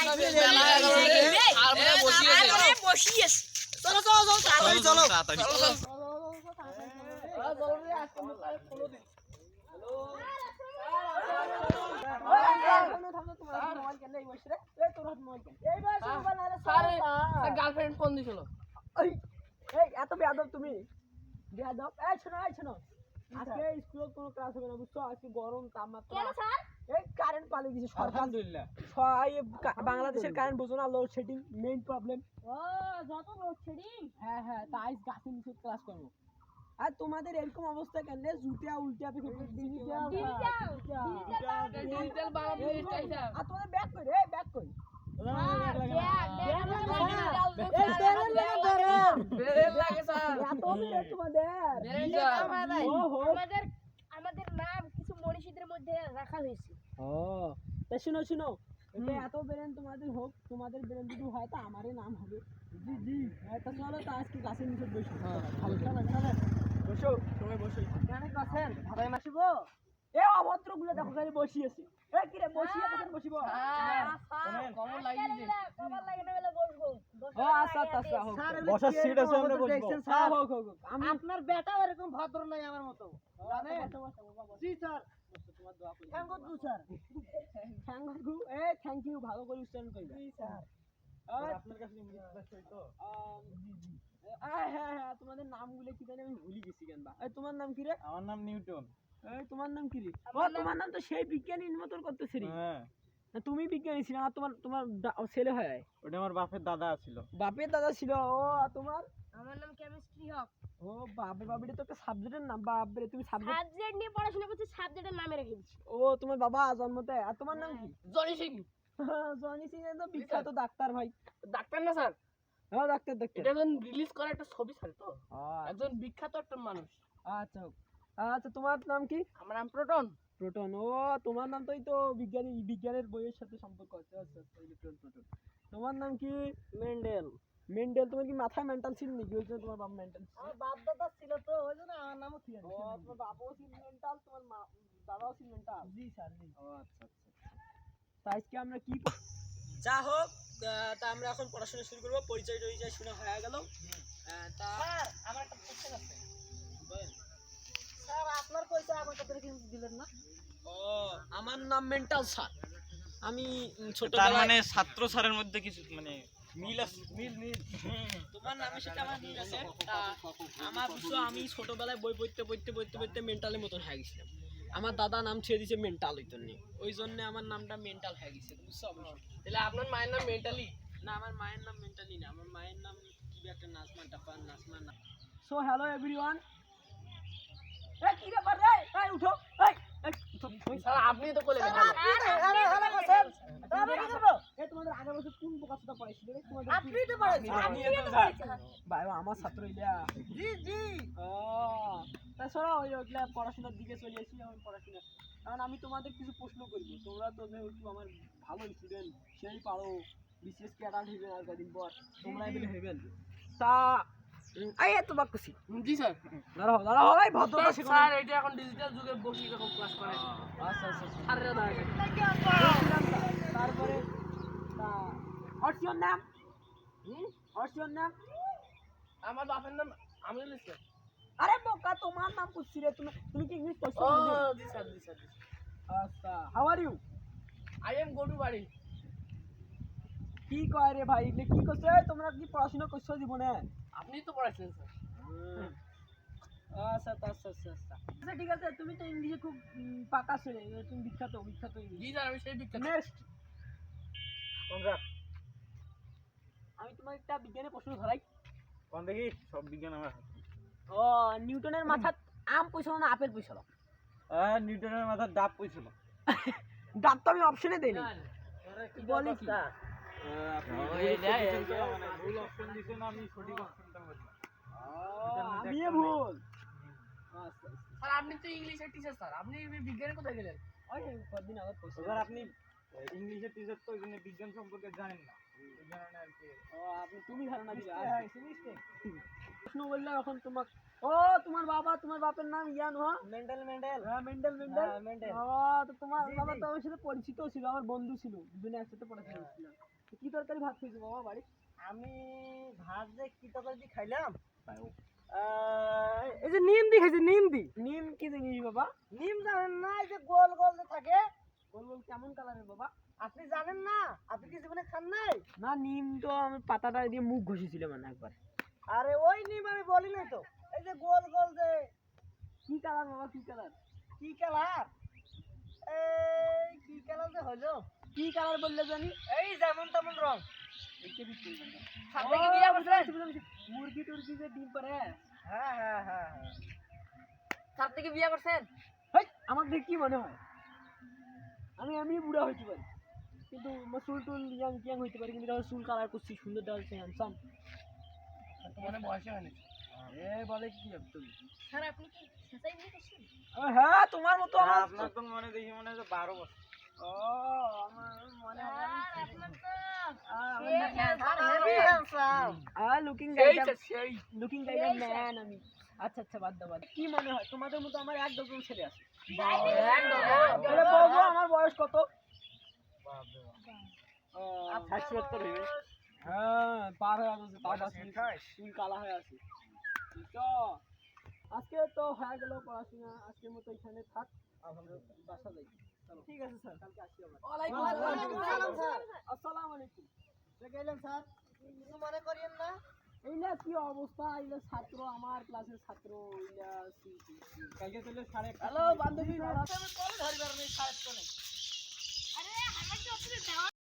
চলো চলো চলো তাড়াতাড়ি চলো গার্লফ্রেন্ড ফোন দিছিল এত বেয়াদব তুমি বেয়াদব এই শোনো আজকে স্কুলে কোনো ক্লাস হবে না বুঝছো আজকে গরম তাপমাত্রা কেন স্যার এই কারেন্ট পালিয়ে গেছে সরকার আলহামদুলিল্লাহ বাংলাদেশের কারেন্ট বোঝো না লোডশেডিং মেইন প্রবলেম ও যত লোডশেডিং হ্যাঁ তাই গাছে নিচে ক্লাস করবো আর তোমাদের এরকম অবস্থা কেন জুতিয়া উল্টা পেকে ডিজিটাল বানাবো স্টাইল আর তোমাদের ব্যাক কই রে ব্যাক কই আমাদের নাম কিছু মনীষীদের মধ্যে রাখা হয়েছে শুনো এত বেরেন তোমাদের হোক তোমাদের বেরেন যদি হয় তো আমারই নাম হবে জি তা চলো তো আজকে গাছের নিচে বসো বসো সবাই বসো ভাই মাসিবো এ অভদ্র গুলো দেখো খালি বসিয়েছে এ কি রে বসিয়ে কেন বসিব কমন লাগিছে কবার লাগে না বলে বসবো আচ্ছা হোক বসার সিট আছে আমরা বসবো হ্যাঁ হোক আমি আপনার বেটাও এরকম ভদ্র নাই আমার মতো জানেন জি স্যার তোমার দোয়া করি thank you sir thank you ভালো করে উচ্চারণ করি জি স্যার আপনার কাছে ইংলিশ তো জি হ্যাঁ তোমাদের নামগুলো কি জানি আমি ভুলে গেছি কেন বা তোমার নাম কি রে আমার নাম নিউটন তোমার নাম কি রে তোমার নাম তো সেই বিজ্ঞানীর মতন করতেছিস হ্যাঁ তুমি বিজ্ঞানী ছিল আর তোমার ছেলে হয় ওটা আমার বাপের দাদা ছিল বাপের দাদা ছিল ও আর তোমার আমার নাম কেমিস্ট্রি হক ও বাপরে তো একটা সাবজেক্টের নাম বাপরে তুমি সাবজেক্ট নিয়ে পড়াশোনা করছি সাবজেক্টের নামে রেখে দিছি ও তোমার বাবা জন্মতে আর তোমার নাম কি জনি সিং জনি সিং তো বিখ্যাত ডাক্তার ভাই ডাক্তার না স্যার হ্যাঁ ডাক্তার এটা একজন রিলিজ করা একটা ছবি স্যার তো একজন বিখ্যাত একটা মানুষ আচ্ছা তোমার নাম কি আমার নাম প্রোটন ও তোমার নাম তো বিজ্ঞানের বইয়ের সাথে সম্পর্ক আছে আচ্ছা প্রোটন তোমার নাম কি মেন্ডেল তোমার কি মাথায় মেন্টাল ছিল নাকি ওই জন্য তোমার বাপ মেন্টাল আমার বাপ দাদা ছিল তো ওই জন্য আমার নামও ছিল ও তোমার বাবাও ছিল মেন্টাল তোমার দাদাও ছিল মেন্টাল জি স্যার জি ও আচ্ছা তা আজকে আমরা কি যা হোক তা আমরা এখন পড়াশোনা শুরু করবো পরিচয় শোনা হয়ে গেল তা স্যার আমার একটা কোশ্চেন আছে বলেন স্যার আপনার পরিচয় আমার কাছে কিন্তু দিলেন না ও আমার নাম মেন্টাল স্যার আমি ছোট তার মানে ছাত্র স্যারের মধ্যে কিছু মানে মিল আছে মিল তোমার নামের সাথে আমার মিল আছে তা আমার বুঝছো আমি ছোটবেলায় বই পড়তে মেন্টালের মতন হয়ে গেছিলাম আমার দাদা নাম ছেড়ে দিয়েছে মেন্টাল ওই জন্য আমার নামটা মেন্টাল হয়ে গেছে বুঝছো তাহলে আপনার মায়ের নাম মেন্টালি না আমার মায়ের নাম মেন্টালি না আমার মায়ের নাম কি একটা নাজমা না সো হ্যালো এভরিওয়ান কি ব্যাপার রে উঠো স্যার আপনি তো বলে তোমাদের আগের বছর কোন বোকাটা পড়াইছিল রে তোমাদের আপনি তো পড়াইছেন আমি একদম স্যার ভাই আমার ছাত্র ইলা জি ও তা সরো ওইগুলা পড়াশোনার দিকে চলে আসি এখন পড়াশোনা কারণ আমি তোমাদের কিছু প্রশ্ন করব তোমরা তো যেহেতু আমার ভালো স্টুডেন্ট সেই পারো বিশেষ ক্যাডার হইবে আর কদিন পর তোমরা এগুলো হইবেন তা এই তো বাক্যছি জি স্যার দাঁড়াও ভাই ভদ্রতা শিখো স্যার এটা এখন ডিজিটাল যুগে বসে এরকম ক্লাস করে আচ্ছা স্যারেরা দাঁড়ায় তারপরে হোয়াটস ইওর নেম আমার বাপের নাম আমিনুল ইসলাম আরে বোকা তোমার নাম পুছছি রে তুমি কি ইংলিশ পড়ছো জি স্যার আচ্ছা how are you I am go to বাড়ি কি কয় রে ভাই এগুলো কি করছো তোমরা কি পড়াশোনা করছো জীবনে আপনি তো পড়াইছেন স্যার আচ্ছা ঠিক আছে তুমি তো ইংলিশে খুব পাকা ছেলে তুমি বিখ্যাত ইংলিশ জি স্যার আমি সেই বিখ্যাত নেক্সট আমি তোমার একটা বিজ্ঞানের প্রশ্ন ধরাই কোন দেখি সব বিজ্ঞান আমার ও নিউটনের মাথা আম পয়সা না আপেল পয়সা নিউটনের মাথার ডাব পয়ছিল ডাব তো আমি অপশনে দেইনি বলে কি ভুল অপশন দিছেন আমি সঠিক অপশনটা বলছি আমি ভুল স্যার আপনি তো ইংলিশের টিচার স্যার আপনি বিজ্ঞানে কোথায় গেলেন ওই কতদিন আগে পয়সা স্যার আপনি ইংলিশের টিচার তো ওইজন্য বিজ্ঞান সম্পর্কে জানেন না এই কারণে আর কি আপনি তুমি ধারণা দিলে প্রশ্ন বললে এখন তোমার তোমার বাপের নাম ইয়ান মেন্ডেল মেন্ডেল ও তো তোমার বাবা তো আমার সাথে পরিচিত ছিল আমার বন্ধু ছিল দুজনে একসাথে পড়াশোনা করছিলাম কি তরকারি ভাত খেয়েছো বাবা বাড়ি? আমি ভাত যে কি তরকারি খাইলাম, এই যে নিম দি খাইছে, নিম দি। নিম কি জিনিস বাবা? নিম জানেন না? এই যে গোল গোল যে থাকে, গোল গোল কেমন কালারের বাবা? আপনি জানেন না? আপনি কি জীবনে খান নাই? না, নিম তো আমি পাতাটা দিয়ে মুখ ঘষেছিলাম মানে একবার। আরে ওই নিম আমি বলি নাই তো, এই যে গোল গোল যে কি কালার বাবা, কি কালার? কি কালার, এই কি কালার যে হলো, কি কালার বললে জানি? এই যেমন তেমন রং। সামনে কি বিয়া করছেন? মুরগি টুরগি যে ডিম পারে। হ্যাঁ হ্যাঁ হ্যাঁ হ্যাঁ। সামনে কি বিয়া করছেন? হেই, আমার দেখে কি মনে হয়? আমি এমনি বুড়া হইতে পারি, কিন্তু আমার চুল টুল ইয়াং টিয়াং হইতে পারি, কিন্তু চুল কালার করছি, সুন্দর দেখাচ্ছে, হ্যান্ডসাম। তোমার বয়সে হয়নি। এ বলে কি তুমি? স্যার আপনি কি সেটাই বিয়ে করছেন? হ্যাঁ, তোমার মতো আমার আপনার তো মনে দেখি মনে হয় 12 বছর। ও আমার মনে স্যার আপনার তো লুকিং লুকিং সেই ম্যান আমি। আচ্ছা আচ্ছা, বাদ দাও বাদ দাও। কি মনে হয় তোমাদের মতো আমার এক ডজন ছেলে আছে? তাহলে বলবো আমার বয়স কত? ষাট সত্তর হইবে। হ্যাঁ, পার হয়ে গেছে, পার আছে, চুল কালা হয়ে আছে। তো আজকে তো হয়ে গেল পড়াশোনা, আজকের মতো এখানে থাক, বাসা যাই। চলো, ঠিক আছে স্যার, কালকে আসি আবার। ওয়ালাইকুম আসসালাম স্যার। আসসালামু আলাইকুম। গেলেন স্যার, কিছু মনে করিয়েন না। এইলা কি অবস্থা, এইলা ছাত্র, আমার ক্লাসের ছাত্র, এইলা কালকে চলে 1:30। হ্যালো বান্ধবী, আমি কল ধরিবার নেই, সাহেব তো নেই। আরে আমার তো